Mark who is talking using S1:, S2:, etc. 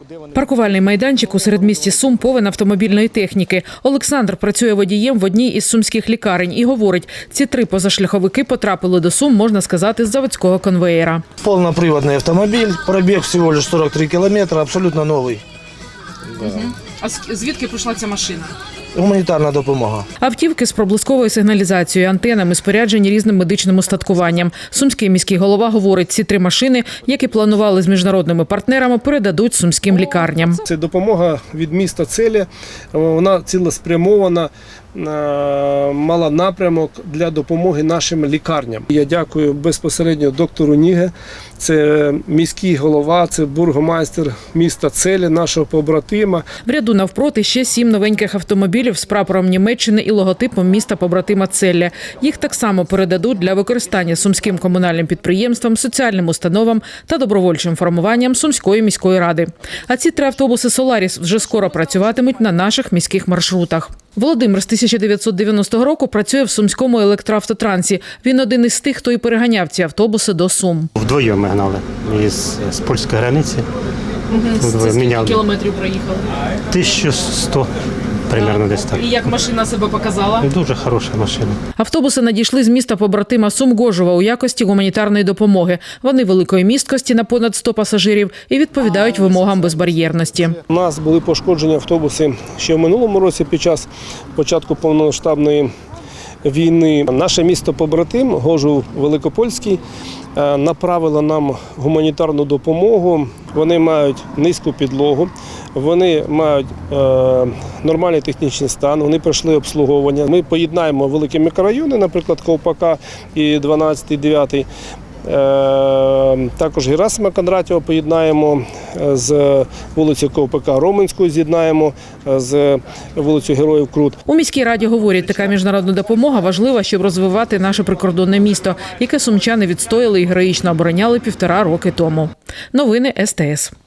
S1: Паркувальний майданчик у середмісті Сум повен автомобільної техніки. Олександр працює водієм в одній із сумських лікарень і говорить, ці 3 позашляховики потрапили до Сум, можна сказати, з заводського конвеєра.
S2: Полноприводный автомобиль, пробег всего лишь 43 километра, абсолютно новый.
S3: А звідки прийшла ця машина?
S2: Гуманітарна допомога.
S1: Автівки з проблисковою сигналізацією, антенами, споряджені різним медичним устаткуванням. Сумський міський голова говорить, ці 3 машини, які планували з міжнародними партнерами, передадуть сумським лікарням.
S4: Це допомога від міста Целі, вона цілеспрямована, мала напрямок для допомоги нашим лікарням. Я дякую безпосередньо доктору Ніге, це міський голова, це бургомайстер міста Целі, нашого побратима.
S1: В ряду навпроти ще 7 новеньких автомобілів з прапором Німеччини і логотипом міста побратима Целля. Їх так само передадуть для використання сумським комунальним підприємствам, соціальним установам та добровольчим формуванням Сумської міської ради. А ці 3 автобуси «Соларіс» вже скоро працюватимуть на наших міських маршрутах. Володимир з 1990 року працює в Сумському електроавтотрансі. Він один із тих, хто і переганяв ці автобуси до Сум.
S5: Вдвоєм ми гнали з польської границі.
S3: Скільки кілометрів проїхали?
S5: 1100, примерно десь так.
S3: І як машина себе показала?
S5: Дуже хороша машина.
S1: Автобуси надійшли з міста побратима Сум-Гожова у якості гуманітарної допомоги. Вони великої місткості на понад 100 пасажирів і відповідають вимогам безбар'єрності.
S4: У нас були пошкоджені автобуси ще в минулому році під час початку повномасштабної війни. Наше місто побратим Гожув Великопольський направило нам гуманітарну допомогу. Вони мають низьку підлогу, вони мають нормальний технічний стан, вони пройшли обслуговування. Ми поєднаємо великі мікрорайони, наприклад, Ковпака і 12-й, 9-й. Також Герасима Кондратєва поєднаємо з вулицею Ковпака, Роменську з'єднаємо з вулицею Героїв Крут.
S1: У міській раді говорять, така міжнародна допомога важлива, щоб розвивати наше прикордонне місто, яке сумчани відстояли і героїчно обороняли 1,5 роки тому. Новини СТС.